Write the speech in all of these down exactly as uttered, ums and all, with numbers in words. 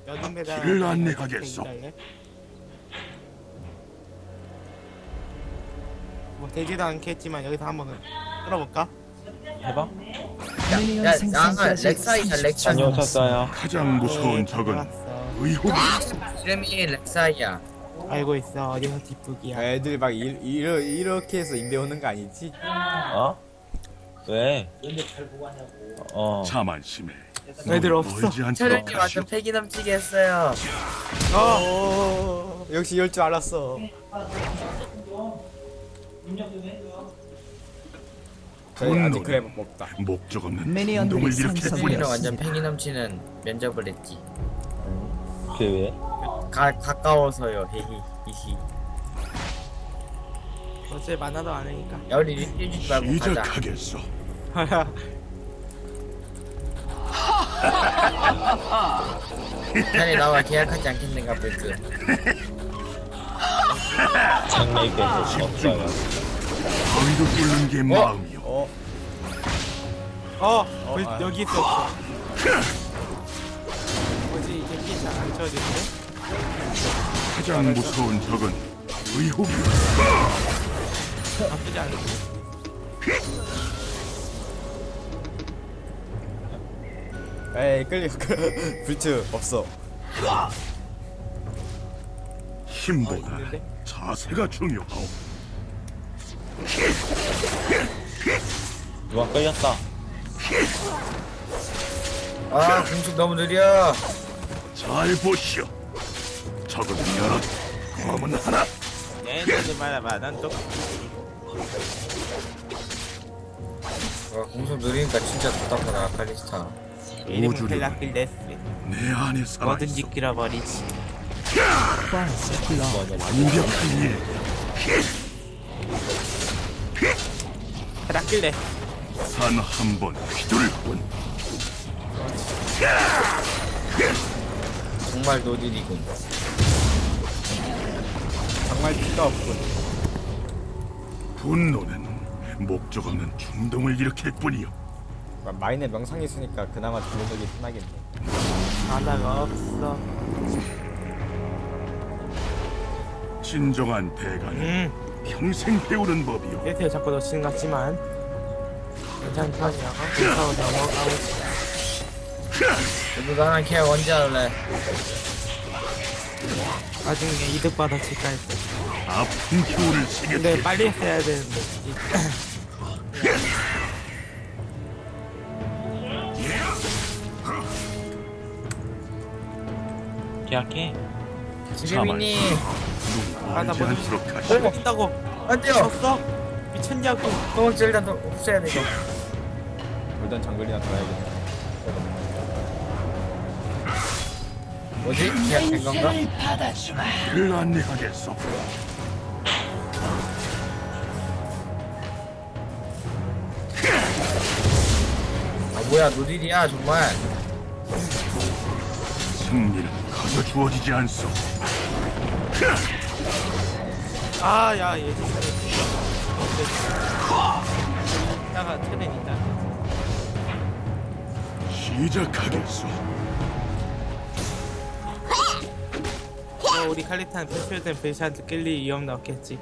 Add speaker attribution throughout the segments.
Speaker 1: 여든데다
Speaker 2: 길을 안내하겠소.
Speaker 1: 뭐 되지도 않겠지만 여기서 한번 끌어볼까?
Speaker 3: 해봐.
Speaker 4: 미니언
Speaker 5: 야, 야,
Speaker 4: 생성까지
Speaker 5: 렉사이야,
Speaker 4: 삼십 초
Speaker 5: 렉사.
Speaker 3: 다녀오셨어요.
Speaker 2: 가장 무서운
Speaker 1: 네,
Speaker 2: 적은
Speaker 1: 들어갔어.
Speaker 2: 의혹이
Speaker 5: 이름이 렉사이야.
Speaker 1: 알고 있어. 어디서 뒷북이야.
Speaker 6: 애들 막 이, 이러, 이렇게 해서 인베 오는 거 아니지?
Speaker 3: 어? 왜? 어.
Speaker 2: 자만심에
Speaker 1: 애들 없어.
Speaker 2: 멀지 않도록
Speaker 5: 촬영이
Speaker 2: 하시오.
Speaker 5: 완전 패기 넘치게 했어요.
Speaker 6: 어, 역시 이럴 줄 알았어. 저희 아직 그래 먹다.
Speaker 2: 목적 없는
Speaker 4: 미니언들이
Speaker 2: 운동을 이렇게
Speaker 4: 상승.
Speaker 2: 뿐이야.
Speaker 5: 우리는 완전 패기 넘치는 면접을 했지.
Speaker 3: 그게 왜?
Speaker 5: 가, 가까워서요. 히히 히히.
Speaker 1: 어째 만화도 안 하니까.
Speaker 5: 야, 우리 일주일 말고 가자.
Speaker 2: 시작하겠소.
Speaker 5: 자네 나와 계약하지 않겠는가 볼까?
Speaker 3: 장례께서 없어요.
Speaker 2: 바위도 뚫는 게 마음이요.
Speaker 6: 어,
Speaker 1: 어, 왜
Speaker 6: 아.
Speaker 1: 여기 있었어. 뭐지 이제 피 잘 안 쳐지는데?
Speaker 2: 가장 무서운 적은 의혹이요.
Speaker 1: 나쁘지 않은데.
Speaker 6: 에이 끌려. 불츠 없어.
Speaker 2: 힘보다
Speaker 1: 어, 있는데?
Speaker 2: 자세가 중요하오.
Speaker 3: 누가 끌렸다.
Speaker 5: 아, 공속 너무 느려.
Speaker 2: 잘 보시오. 적은 여러, 검은 하나.
Speaker 1: 네, 너도 말아봐. 난 또.
Speaker 5: 와, 공속 느리니까 진짜 답답하다, 칼리스타.
Speaker 1: 이름은
Speaker 2: 우주를
Speaker 1: 벨라필 레스.
Speaker 2: 내 안에
Speaker 1: 뭐든지
Speaker 2: 살아있어.
Speaker 1: 끌어버리지.
Speaker 4: First blood.
Speaker 2: 완벽한 일.
Speaker 1: 벨라필 레스.
Speaker 2: 단 한 번 휘둘 뿐.
Speaker 5: 정말 노딜이군.
Speaker 6: 정말 피가 없군.
Speaker 2: 분노는 목적 없는 충동을 일으킬 뿐이요.
Speaker 6: 마인의 명상이 있으니까 그나마 들어오기 편하겠네.
Speaker 1: 바다가 없어.
Speaker 2: 진정한 대가는
Speaker 1: 음,
Speaker 2: 평생 배우는 법이요.
Speaker 1: 세트에 자꾸 놓치는 것 같지만 괜찮다냐? 괜찮고 넘어가고 싶어.
Speaker 5: 너도 나랑 계약 언제 할래?
Speaker 1: 나중에 이득 받아칠까 했어.
Speaker 2: 아픈 교훈을
Speaker 1: 근데
Speaker 2: 새겼지.
Speaker 1: 빨리 했어야 되는데.
Speaker 3: 계약해.
Speaker 5: 지금이니.
Speaker 1: 아, 나
Speaker 2: 멀지
Speaker 1: 뭐-
Speaker 2: 않도록
Speaker 1: 뭘
Speaker 2: 하시오.
Speaker 1: 먹다고
Speaker 5: 안 돼요.
Speaker 1: 졌어? 미쳤냐고.
Speaker 5: 도망치 일단 더 없애야 돼, 이거.
Speaker 6: 일단 정글이나 돌아야겠다.
Speaker 5: 뭐지? 계약된 건가?
Speaker 2: 길을 안내하겠소.
Speaker 5: 아, 뭐야, 노딜이야, 정말.
Speaker 2: 승리는 거저 주어지지 않소.
Speaker 1: 아, 야, 얘 진짜. 이따가 최대는 있다.
Speaker 2: 시작하겠소.
Speaker 1: 어, 우리 칼리탄 패출된 베이샤한테 끌릴 위험도 없겠지.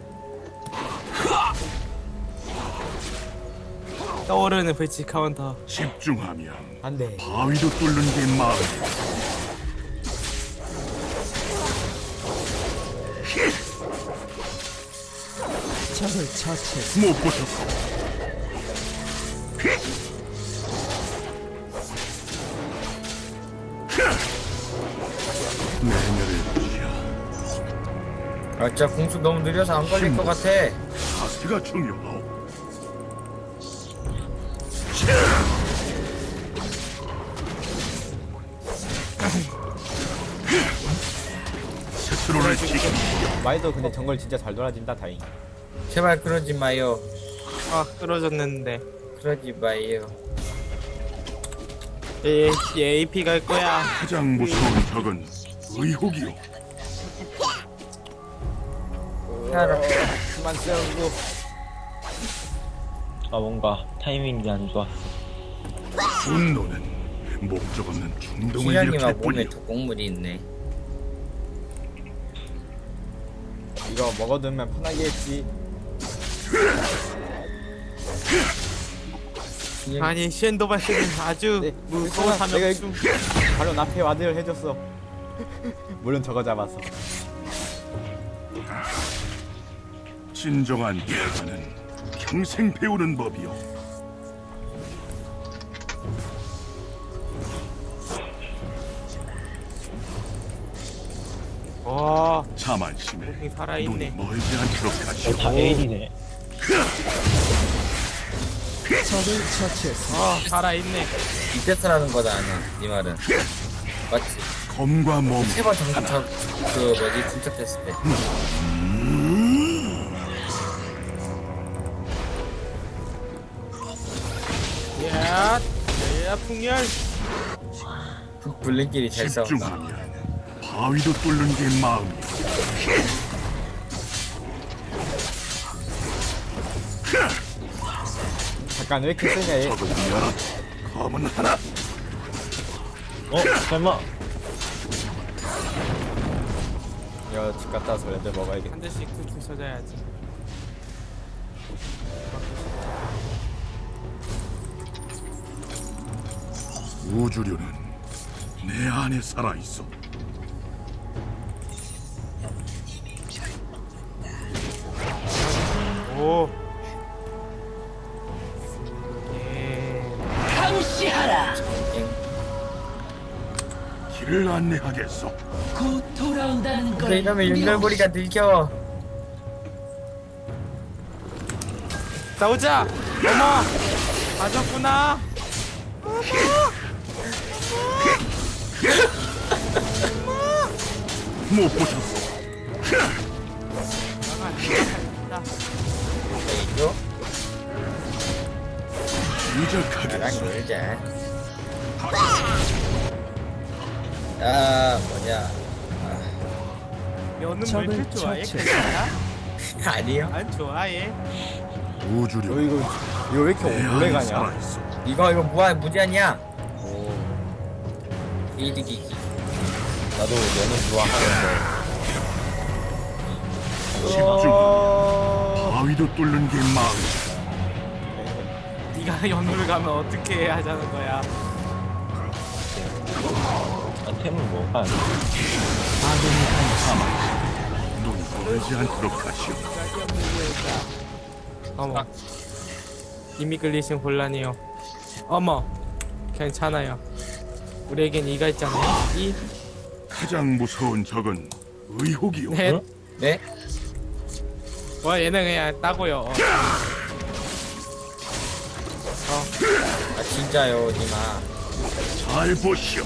Speaker 1: 떠오르는 불치 카운터.
Speaker 2: 집중하면
Speaker 6: 안 돼.
Speaker 2: 바위도 뚫는 게 마음이요.
Speaker 4: 적을 처치했습니다.
Speaker 2: 못 보셨소. 내녀를 보시오.
Speaker 5: 아, 진짜 공속 너무 느려서 안 걸릴 것 같아.
Speaker 2: 자세가 중요하오. 스스로를 지키고
Speaker 6: 마이도 근데 정글 진짜 잘 돌아진다. 다행.
Speaker 5: 제발 그러지 마요.
Speaker 1: 아, 끌어졌는데.
Speaker 5: 그러지 마요.
Speaker 1: 얘, 얘 에이피 갈 거야.
Speaker 2: 가장 무서운 적은 의혹이요.
Speaker 5: 따라.
Speaker 6: 그만 쓰고.
Speaker 3: 아 뭔가 타이밍이 안 좋았어.
Speaker 2: 분노는 목적 없는 충동을
Speaker 5: 희연이가
Speaker 2: 일으킬
Speaker 5: 몸에
Speaker 2: 뿐이오.
Speaker 5: 독곡물이 있네.
Speaker 6: 이거 먹어두면 편하게 했지.
Speaker 5: 희연-
Speaker 1: 아니 쉔도바스는 아주
Speaker 6: 네,
Speaker 1: 무서운
Speaker 6: 괜찮아. 내가
Speaker 1: 사명중.
Speaker 6: 바로 나페 와드를 해줬어. 물론 저거 잡았어.
Speaker 2: 진정한 대가는 평생 배우는 법이오.
Speaker 1: 와,
Speaker 2: 자만심에
Speaker 1: 몸이
Speaker 2: 눈이
Speaker 1: 살아있네.
Speaker 2: 멀지 않도록
Speaker 3: 어,
Speaker 2: 하시오.
Speaker 3: 다 에일이네.
Speaker 4: 적을 처치했습니다.
Speaker 1: 아, 살아있네.
Speaker 5: 이때서라는 거다 아니야. 네 말은. 맞지?
Speaker 2: 검과 몸
Speaker 5: 세번 정도 저, 그 뭐지 침착됐을 때.
Speaker 1: 야, 야, 풍열.
Speaker 5: 블링끼리 잘 싸운다.
Speaker 2: 집중하면 바위도 뚫는 게 마음이오.
Speaker 6: 잠깐 왜 이렇게 세냐 얘.
Speaker 2: 적은 여러, 검은 하나.
Speaker 3: 어? 설마?
Speaker 6: 이거 집 갔다 와서 레드 먹어야겠다.
Speaker 1: 한 대씩 툭툭 쳐줘야지.
Speaker 2: 우주류는 내 안에 살아 있어.
Speaker 1: 오. 예.
Speaker 2: 길을 안내하겠어.
Speaker 7: 곧 돌아온다는 걸
Speaker 5: 근데 이러면 연결고리가 늙혀.
Speaker 1: 싸우자. 어머. 맞았구나.
Speaker 2: 못 보셨어.
Speaker 5: 이거
Speaker 2: 시작하겠어.
Speaker 5: 나랑 놀자. 아 뭐냐?
Speaker 1: 너는 왜
Speaker 4: 적을
Speaker 1: 이렇게 좋아해?
Speaker 4: 처치했습니다.
Speaker 1: 괜찮아?
Speaker 5: 아니요.
Speaker 1: 안 좋아해.
Speaker 2: 우주류
Speaker 6: 너 이거 이거 왜 이렇게
Speaker 2: 내
Speaker 6: 오래
Speaker 2: 안에
Speaker 6: 가냐?
Speaker 2: 살아 있어.
Speaker 5: 이거 이거 무한 무제한이야.
Speaker 6: 오.
Speaker 5: 이득이기.
Speaker 3: 나도 너는 좋아하는데.
Speaker 2: 집중.
Speaker 6: 어...
Speaker 2: 바위도 뚫는 게 마음이오.
Speaker 1: 네가 연우를 가면 어떻게 해야 하자는 거야?
Speaker 3: 아, 템은 뭐? 아,
Speaker 2: 눈 멀지 않도록 하시오.
Speaker 1: 어머. 이미 끌리신 곤란해요. 어머. 괜찮아요. 우리에겐 이가 있잖아요. 이.
Speaker 2: 가장 무서운 적은 의혹이오.
Speaker 1: 넷.
Speaker 3: 응?
Speaker 5: 네?
Speaker 1: 와, 얘는 그냥 따고요. 어.
Speaker 5: 아 진짜요, 니마.
Speaker 2: 잘 보시오.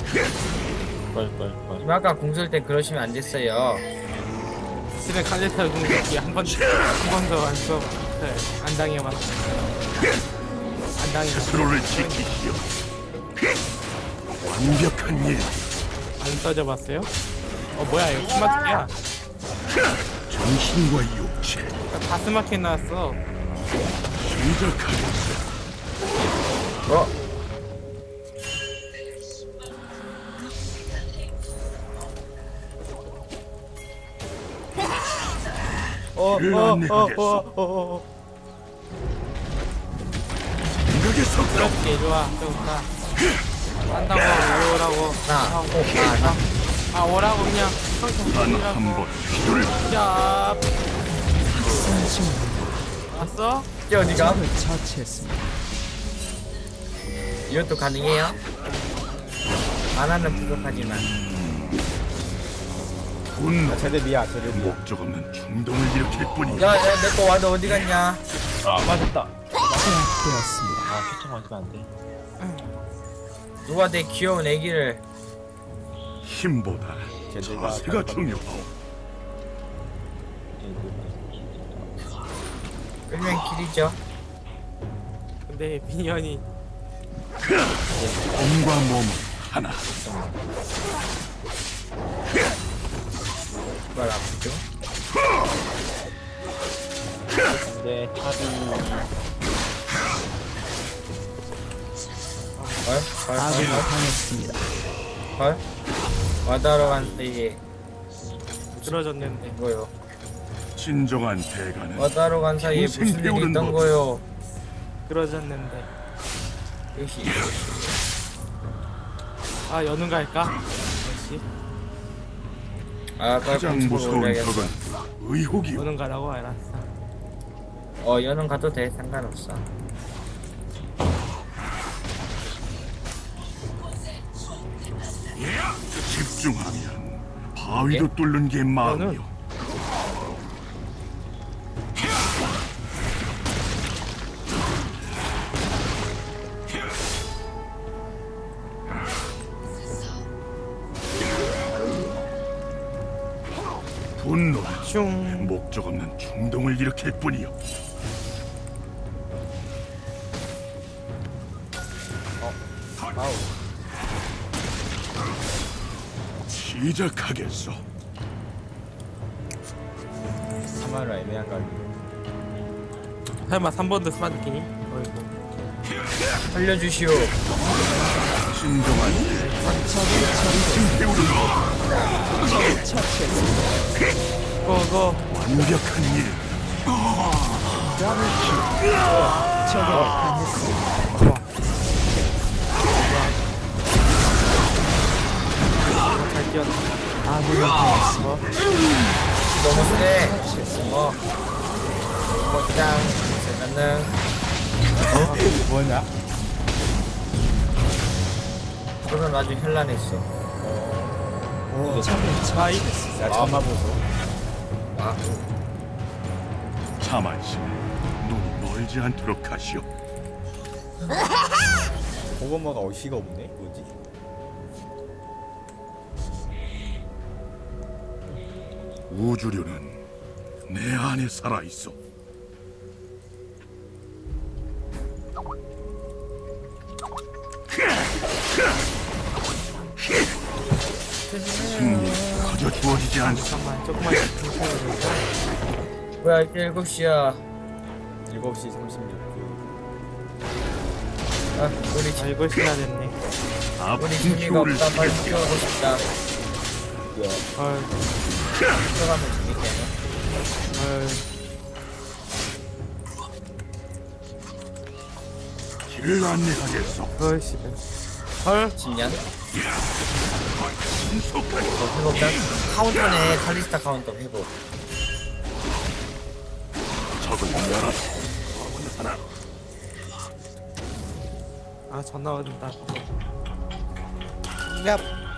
Speaker 3: 뻘뻘뻘.
Speaker 5: 니마 아까 공설 때 그러시면 안 됐어요.
Speaker 1: 실은 칼레타 공격이 한 번, 한 번도 안 써, 네, 안 당해봤어. 안 당해봤어.
Speaker 2: 스스로를 지키시오. 완벽한 일.
Speaker 1: 안 써져봤어요? 어, 뭐야, 이거 스마트야.
Speaker 2: 정신과 육체.
Speaker 1: 다 스마트 나왔어.
Speaker 2: 시작하겠어.
Speaker 5: 어?
Speaker 6: 어,
Speaker 2: 길을
Speaker 6: 어, 어,
Speaker 2: 안내하겠어.
Speaker 6: 어, 어, 어.
Speaker 2: 생각의 속도.
Speaker 1: 그렇지, 좋아, 좋다. 한다고, 오라고.
Speaker 5: 나,
Speaker 1: 아,
Speaker 5: 오, 나, 나.
Speaker 1: 아, 오라고, 그냥.
Speaker 2: 단 한 번 기도를
Speaker 1: 자,
Speaker 4: 선수
Speaker 1: 왔어?
Speaker 5: 이게 어디가?
Speaker 4: 적을 처치했습니다.
Speaker 5: 이것도 가능해요? 만화는 부족하지만.
Speaker 2: 분노.
Speaker 6: 제대비야, 제대비야.
Speaker 2: 목적 없는 충동을 일으킬 뿐이야.
Speaker 5: 야, 야, 내 거 와도 어디 갔냐?
Speaker 3: 아, 맞았다.
Speaker 4: 제압되었습니다.
Speaker 3: 아, 표창 맞으면 안 돼.
Speaker 5: 누가 내 귀여운 애기를.
Speaker 2: 힘보다
Speaker 6: 제대가
Speaker 2: 자세가 중요하오.
Speaker 5: 끌면 길이죠.
Speaker 1: 근데 미연이
Speaker 2: 몸과 몸은 하나.
Speaker 5: 그걸 아프죠?
Speaker 3: 근데 탑이
Speaker 5: 헐? 헐?
Speaker 4: 아군이
Speaker 5: 헐?
Speaker 4: 당했습니다.
Speaker 5: 헐? 와다로 간 사이에
Speaker 1: 쓰러졌는데.
Speaker 5: 뭐요?
Speaker 2: 진정한 대가는
Speaker 5: 와다로 간 사이에
Speaker 2: 평생
Speaker 5: 무슨 일이
Speaker 2: 배우는
Speaker 5: 있던
Speaker 2: 법.
Speaker 5: 거요?
Speaker 1: 쓰러졌는데.
Speaker 5: 역시
Speaker 1: 아 연운 갈까? 역시
Speaker 5: 아 빨리
Speaker 2: 가장
Speaker 5: 공식으로
Speaker 2: 무서운
Speaker 5: 올려야겠어.
Speaker 2: 적은 의혹이요.
Speaker 1: 연운 가라고 알았어.
Speaker 5: 어 연은 가도 돼 상관없어.
Speaker 2: 집중하면 바위도 뚫는 게 마음이요. 분노는
Speaker 1: 슝.
Speaker 2: 목적 없는 충동을 일으킬 뿐이요.
Speaker 6: 아우.
Speaker 2: 시작하겠어.
Speaker 6: 참아라 애매한 갈비.
Speaker 1: 설마 삼 번도 스마트키니? 어이구.
Speaker 5: 살려주시오.
Speaker 2: 진정한
Speaker 4: 적을
Speaker 2: 배우는 법.
Speaker 4: 처치했습니다.
Speaker 1: 고고.
Speaker 2: 완벽한 일.
Speaker 4: 적을 당했습니다.
Speaker 1: 잘 뛰었다.
Speaker 4: 아군이 당했습니다.
Speaker 5: 너무 세. 어. 곧장 세면은
Speaker 6: 뭐냐?
Speaker 5: 그건 아주 현란했어.
Speaker 4: 적을
Speaker 1: 아이.
Speaker 6: 야 참아 보소.
Speaker 5: 아
Speaker 2: 자만 씨, 눈이 멀지 않도록 하시오.
Speaker 6: 고구마가 어이가 없네. 뭐지?
Speaker 2: 우주류는 내 안에 살아 있어. 승리 거저 주어지지 않소.
Speaker 1: 잠깐만 조금만 괜찮아질까?
Speaker 5: 뭐야 이제 일곱 시야.
Speaker 6: 일곱 시 삼십육 분.
Speaker 5: 아 우리
Speaker 1: 아 이거 시간 됐네.
Speaker 2: 아픈
Speaker 5: 우리 재미가
Speaker 2: 표를
Speaker 5: 없다. 빨리
Speaker 2: 쓰겠소.
Speaker 5: 뛰어가고 싶다.
Speaker 1: 헐.
Speaker 5: 뛰어가면 재밌겠네.
Speaker 1: 헐.
Speaker 2: 길을 안내하겠소.
Speaker 1: 헐씨. 헐.
Speaker 5: 진년?
Speaker 2: 신속한
Speaker 5: 회복단? 카운터네. 칼리스타 카운터 회복.
Speaker 2: 적을 열어서 하나.
Speaker 1: 아 전화 온다. 얍.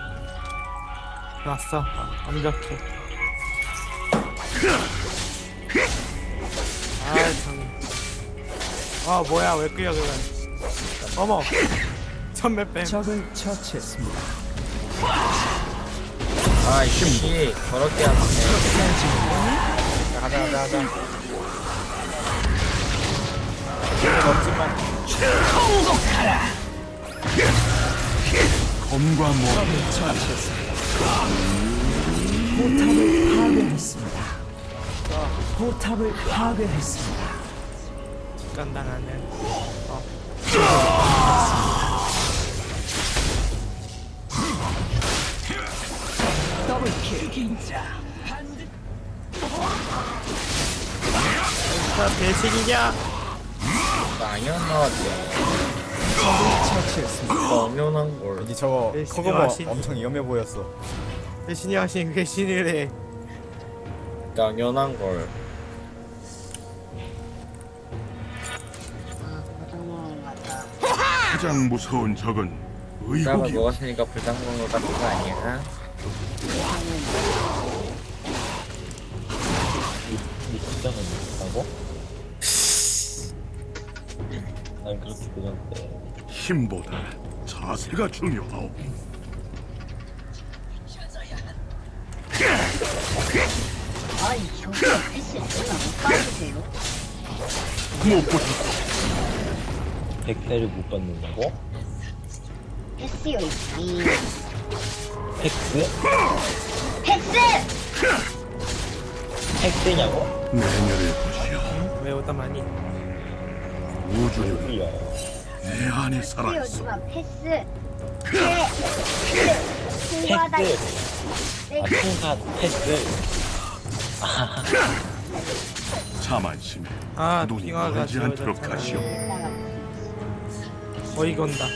Speaker 1: 왔어. 완벽해. 아 참. 아 뭐야 왜 끌려 그래. 어머. 천몇 뱀.
Speaker 4: 적을 처치했습니다.
Speaker 5: 아 이씨 더럽게 하네.
Speaker 6: 자, 가자 가자 가자.
Speaker 2: 검과 모
Speaker 4: 적을 처치했습니다. 포탑을 파괴했습니다. 포탑을 파괴했습니다.
Speaker 1: 직관당하는. 어.
Speaker 4: 더블킬.
Speaker 1: 자 배식이냐?
Speaker 5: 당연하지.
Speaker 4: 적을 처치했습니다.
Speaker 5: 당연한 걸.
Speaker 6: 왠지 저거
Speaker 1: 네,
Speaker 6: 코고모
Speaker 1: 신기하신-
Speaker 6: 엄청 위험해 보였어.
Speaker 1: 배신이 하신 배신이래.
Speaker 5: 당연한 걸.
Speaker 2: 가장 무서운 적은
Speaker 5: 땀을
Speaker 2: 의혹이요.
Speaker 5: 먹었으니까 불당공으로 같은 거 아니야?
Speaker 3: 이 직장은 있다고? 난 그렇게 그렸는데
Speaker 2: 힘보다 자세가 중요하오.
Speaker 8: 아이 저기요 패스 얼마 못 받으세요?
Speaker 2: 무엇보다
Speaker 3: 백대를 못 받는다고?
Speaker 8: 패스요 이
Speaker 3: 팩스?
Speaker 8: 패스!
Speaker 3: 팩스냐고?
Speaker 2: 내년을 보시오.
Speaker 1: 왜 오다 많이?
Speaker 2: 우주류는
Speaker 3: 뭐야?
Speaker 2: 내 안에 살아있어.
Speaker 8: 요즘은 패스. 그래. 공부하다.
Speaker 3: 패스. 아, 통과 패스.
Speaker 2: 자만심에
Speaker 1: 아
Speaker 2: 눈이
Speaker 1: 빙하가
Speaker 2: 멀지 않도록
Speaker 1: 지워졌잖아.
Speaker 2: 하시오.
Speaker 1: 어이가 온다.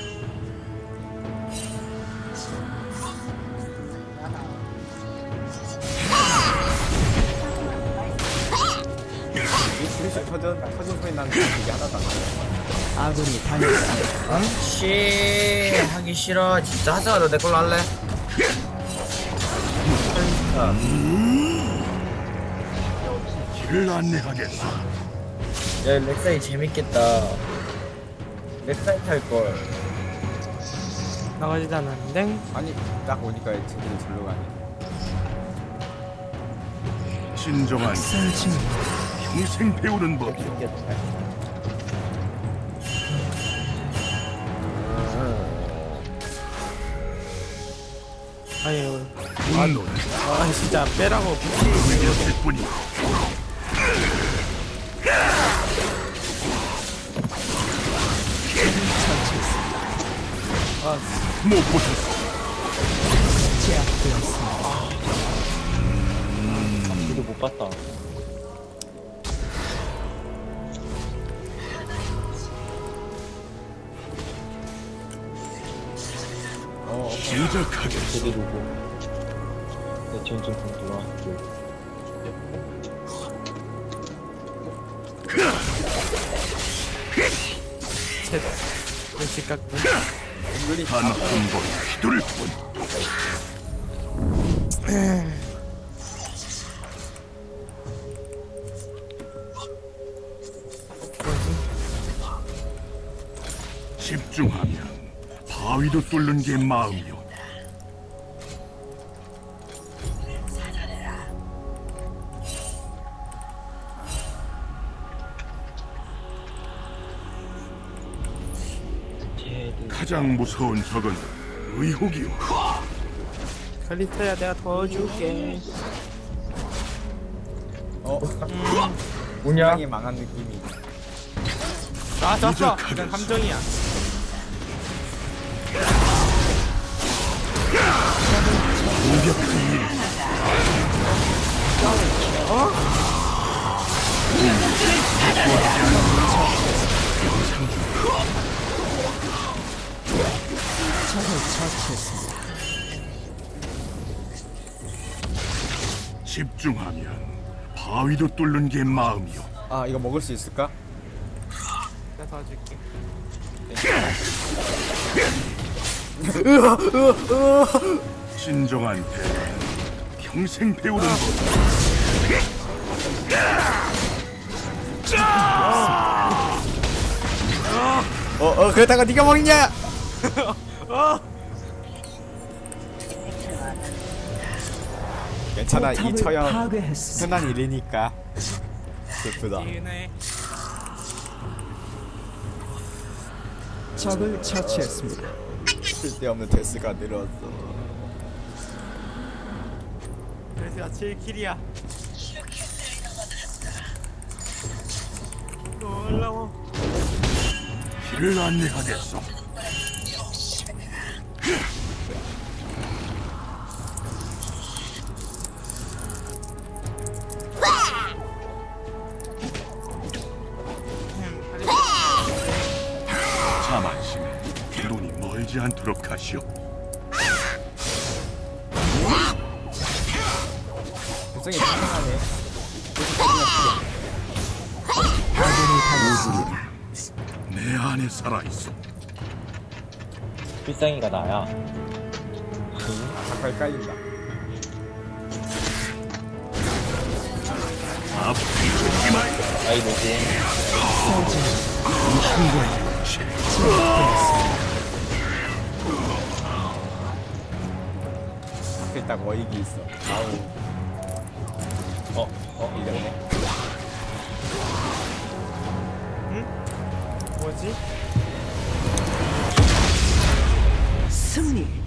Speaker 6: 이 슬슬 터진 터진 소리 나는 게 하나도 안 나요.
Speaker 4: 아군이 당했습니다.
Speaker 5: 암씨 하기 싫어. 진짜 하자가 너 내 걸로 할래?
Speaker 2: 길을 안내하겠어.
Speaker 5: 야 렉사이 재밌겠다. 렉사이 탈걸.
Speaker 1: 나가지도 않았는데.
Speaker 6: 아니 딱 오니까 제대로 절로 가네.
Speaker 2: 진정한
Speaker 4: 썰중
Speaker 2: 평생 배우는 법이오.
Speaker 3: 생겼다.
Speaker 1: 아니
Speaker 2: 분노는
Speaker 1: 아 진짜 빼라고.
Speaker 2: 이겼을 뿐이오. 못 보셨어.
Speaker 4: 제압되었습니다.
Speaker 3: 이거 못 봤다.
Speaker 6: 어,
Speaker 2: 시작하겠어.
Speaker 3: 제대로 고. 내 전좀 돌아왔고.
Speaker 1: 셋. 왼쪽 깎고.
Speaker 6: 은근히
Speaker 2: 단 한 번 휘두를 뿐. 집중하면 바위도 뚫는 게 마음이오.
Speaker 3: 쟤들.
Speaker 2: 가장 무서운 적은 의혹이오.
Speaker 1: 칼리터야 내가 더 줄게.
Speaker 6: 어
Speaker 5: 뭐냐?
Speaker 6: 세상이 망한 느낌이.
Speaker 1: 아 졌어.
Speaker 2: 시작하겠어.
Speaker 1: 그냥 함정이야.
Speaker 2: 무력한 일.
Speaker 4: 적을 처치했습니다.
Speaker 2: 집중하면 바위도 뚫는 게 마음이오.
Speaker 6: 아 이거 먹을 수 있을까?
Speaker 1: 내가 더 줄게.
Speaker 2: 진정한 대화는 평생 배우는 것.
Speaker 6: 어어 그러다가 네가 먹냐? 괜찮아 이
Speaker 4: 포탑을
Speaker 6: 처형
Speaker 4: 파괴했습니다.
Speaker 6: 흔한 일이니까. 슬프다.
Speaker 1: 이은혜.
Speaker 4: 적을 처치했습니다.
Speaker 6: 쓸데없는 데스가 늘었어.
Speaker 1: 그래서 칠 킬이야. 놀라워.
Speaker 2: 길을 안내하겠어. 자만심에 눈이 멀지 않도록 하시오.
Speaker 6: 표정이 이상하네.
Speaker 4: 아군이 당했습니다.
Speaker 2: 내 안에 살아있어.
Speaker 3: 필상이가 나야.
Speaker 6: 가까이 깔린다.
Speaker 2: 아프지 마.
Speaker 3: 아이 노고.
Speaker 6: 앞에 딱 어익이 있어. 아우. 어, 어, 이겼네.
Speaker 1: 뭐지?
Speaker 4: 승리.